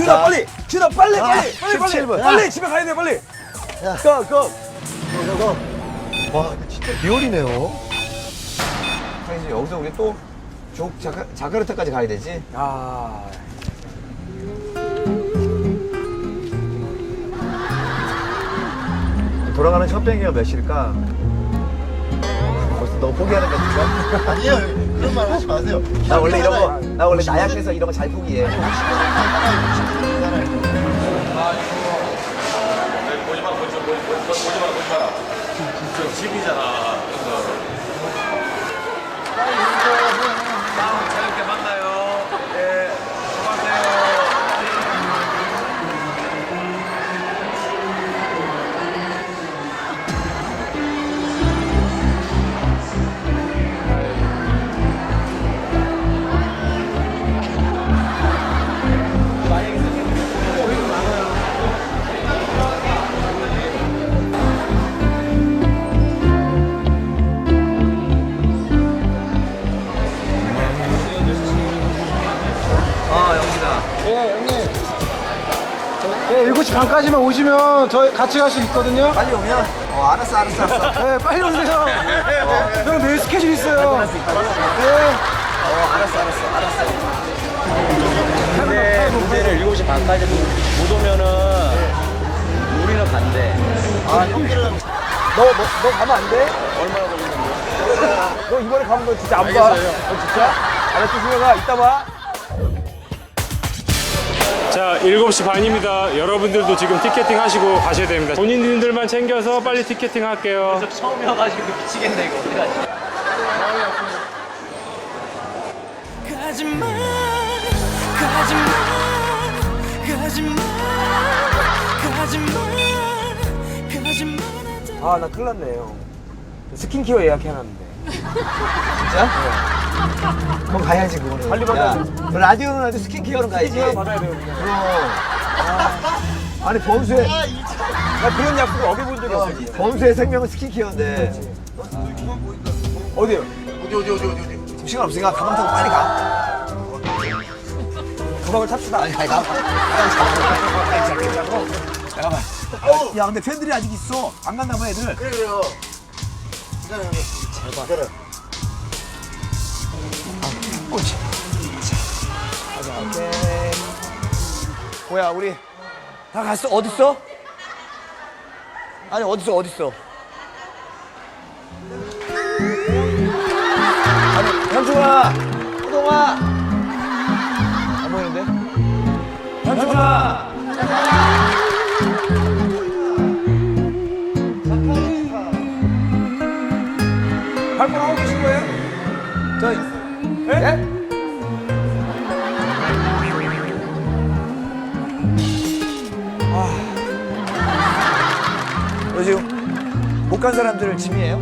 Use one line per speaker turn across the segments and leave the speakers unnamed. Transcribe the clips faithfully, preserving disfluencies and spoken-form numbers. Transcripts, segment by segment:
준아 빨리! 준아 빨리 빨리! 빨리 빨리!
십칠 분.
빨리 집에 가야 돼 빨리!
야.
고! 고!
저거. 와, 이거 진짜 리얼이네요.
사실 여기서 우리 또 조, 자카, 자카르타까지 가야 되지?
아...
돌아가는 첫 비행기가 몇 시일까? 벌써 너무 포기하는 거 같은가? 아니에요, 그런 말 하지 마세요.
나 원래 이런 거, 나 원래 나약해서 이런 거 잘 포기해.
보지 마, 보지 마, 보지 마, 보지 마, 보지 마. 진짜 집이잖아. 다음 저녁 만나요. 예, 수고하세요.
어, 영진아.
예, 형님. 예, 일곱 시 반까지만 오시면 저희 같이 갈 수 있거든요.
빨리 오면? 어, 알았어, 알았어, 알았어.
예, 빨리 오세요. 어, 형 내일 스케줄 있어요. 예.
어, 알았어, 알았어, 알았어.
근데 무대를 일곱 시 반까지 못 오면은 우리는 간대.
아 형들은 너, 너, 너 가면 안 돼?
얼마나 걸리는데?
너 이번에 가면 너 진짜 안 봐.
알겠어요.
어, 진짜? 알았지 준영아 이따 봐.
자, 일곱 시 반입니다. 여러분들도 지금 티켓팅 하시고 가셔야 됩니다. 본인들만 챙겨서 빨리 티켓팅 할게요.
처음이어가지고 미치겠네 이거 어떡하지?
가지마 가지마 가지마 가지마 가지마
아 나 큰일 났네 형. 스킨케어 예약해놨는데.
진짜? 그럼 가야지, 그거는.
빨리
야,
받아야지.
너 라디오는 하지 스킨케어는 가야지.
스킨케어 받아야 돼요 그냥.
그럼. 아니, 범수의,
나 그런 약속을 어겨본 적이 없어. 진짜.
범수의 생명은 스킨케어인데.
어디요?
지금 시간 없으니까 가방 타고 빨리 가.
가방을 탑시다.
아니, 아니, 가. 빨리 자고. 잠깐만. 야, 근데 팬들이 아직 있어. 안 갔나 봐, 애들.
그래, 그래요. 기다려, 잘 기다려.
옳지. 오케이. 뭐야, 우리 다 갔어? 어딨어? 아니, 어딨어, 어딨어? 아니, 현중아! 호동아! 안 보이는데? 현중아!
발권 하고 계신 거예요?
저,
예?
너 지금 못 간 사람들 짐이에요?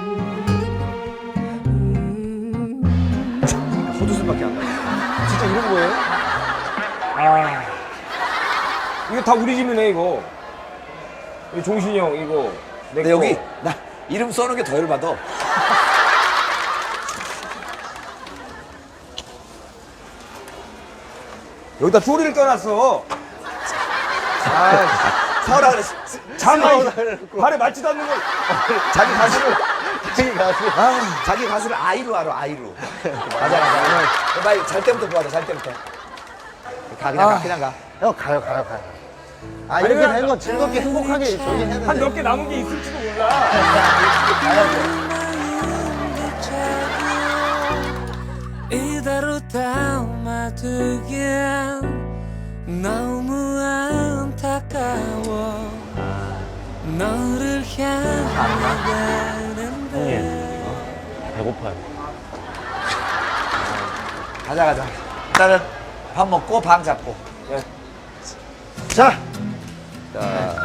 호두순밖에 안 가.
진짜 이런 거예요? 아 이거 다 우리 집이네 이거. 이 종신이 형 이거 내
근데
거.
여기 나 이름 써놓은 게 더 열받아.
여기다 소리를 떠났어. 아,
사오라 그랬어.
잠 발에 맞지도 않는 걸.
자기 가수를 자기 가수 아, 자기 가수를 아이로 알아 아이로. 가자 가자. 빨리 잘 때부터 보자. 잘 때부터. 가 그냥 가 그냥 가.
형, 가요, 가요, 가요. 아,
아니,
이렇게
그냥
된 건 즐겁게 행복하게 저기 해야
한
되는데.
몇 개 남은 게 있을지도 몰라.
이대로 담아두기엔 너무 안타까워 너를 향하는데
배고파요.
가자 가자. 일단은 밥 먹고 방 잡고.
자,
자